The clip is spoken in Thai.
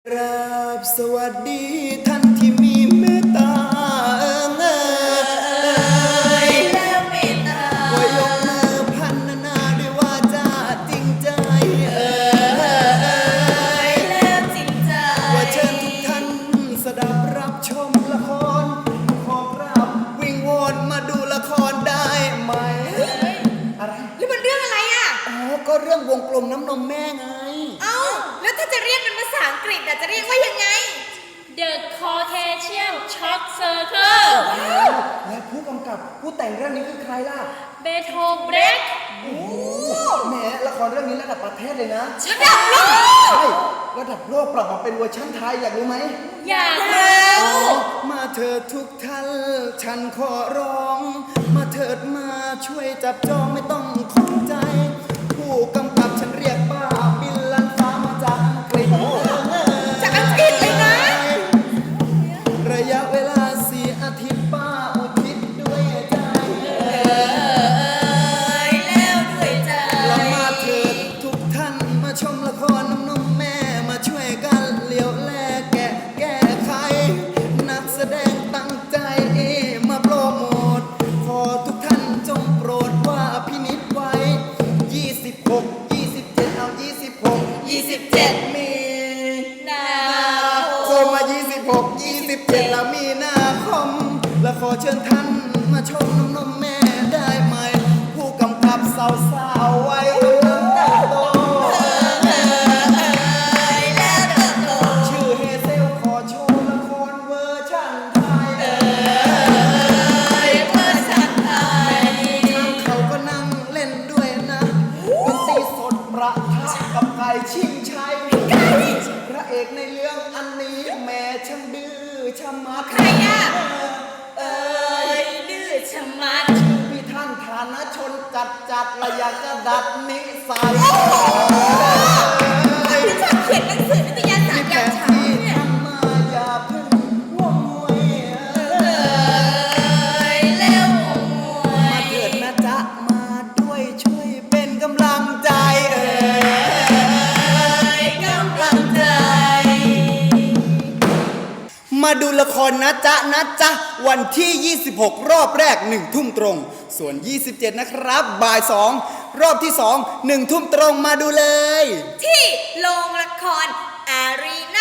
ครับสวัสดีท่านที่มีเมตตาแล้วเมตตาขอยกมือพันนาด้วยวาจาจริงใจแล้วจริงใจว่าเชิญทุกท่านสดับรับชมละครขอรับวิงวอนมาดูละครได้ไหมอะไรแล้วมันเรื่องอะไรอ่ะอ๋อก็เรื่องวงกลมน้ำนมแม่ไงเอ้าแล้วถ้าจะเรียกเป็นภาษาอังกฤษจะเรียกว่ายังไง The Caucasian Shock Circle และผู้กำกับผู้แต่งเรื่องนี้คือใครล่ะเบโธเบรกโอ้แหมละครเรื่องนี้ระดับประเทศเลยนะระดับโลกใช่ระดับโลกปรับมาเป็นเวอร์ชันไทยอยากรู้ไหมอยากแล้วมาเถิดทุกท่านฉันขอร้อง มาเถิดมาช่วยจับจองไม่ต้องข้องใจ ผู้กำกับฉันเรียกป้าบิลลันฟ้ามาจากอังกฤษจากอังกฤษเลยนะระยะเวลา4 อาทิตย์ป้าอุทิศด้วยใจแล้วด้วยใจแล้วมาเถิดทุกท่านมาชมละครน้ำนมแม่มาช่วยกันเลี้ยวแลแก้ไข นักแสดงตั้งใจมาโปรโมทขอทุกท่านจงโปรดว่าพินิจไว้ 26 27 เอา 26 27 มีนาโคมมา 26 27 แล้วมีนาคมและขอเชิญท่านมาชมน้ำนมแม่ได้ไหม ผู้กำกับสาวๆไว้กำลังเติบโตแล้วเติบโตชื่อเฮเซลขอโชว์ละครเวอร์ชันไทยเพื่อชาติไทยเขาก็นั่งเล่นด้วยนะดนตรีสดประทะกับไก่ชิงชัยพระเอกในเรื่องอันนี้แม่ช่างดื้อชะมัดใครอ่ะดื้อชะมัดชื่อพี่ท่านฐานะชนจัดและอยากจะดัดนิสัยที่ชอบเขียนหนังสือนิตยสารแผยามนเช้าที่เนี่ยทำมาอย่าเพิ่งง่วงงวยแล้วมวมาย เถิดนะจ๊ะมาด้วยช่วยเป็นกำลังใจกำลังใจมาดูละครนะจ๊ะนะจ๊ะวันที่ 26 รอบแรก 1 ทุ่มตรง ส่วน 27 นะครับบ่าย 2 รอบที่ 2 1 ทุ่มตรงมาดูเลยที่โรงละครอารีนา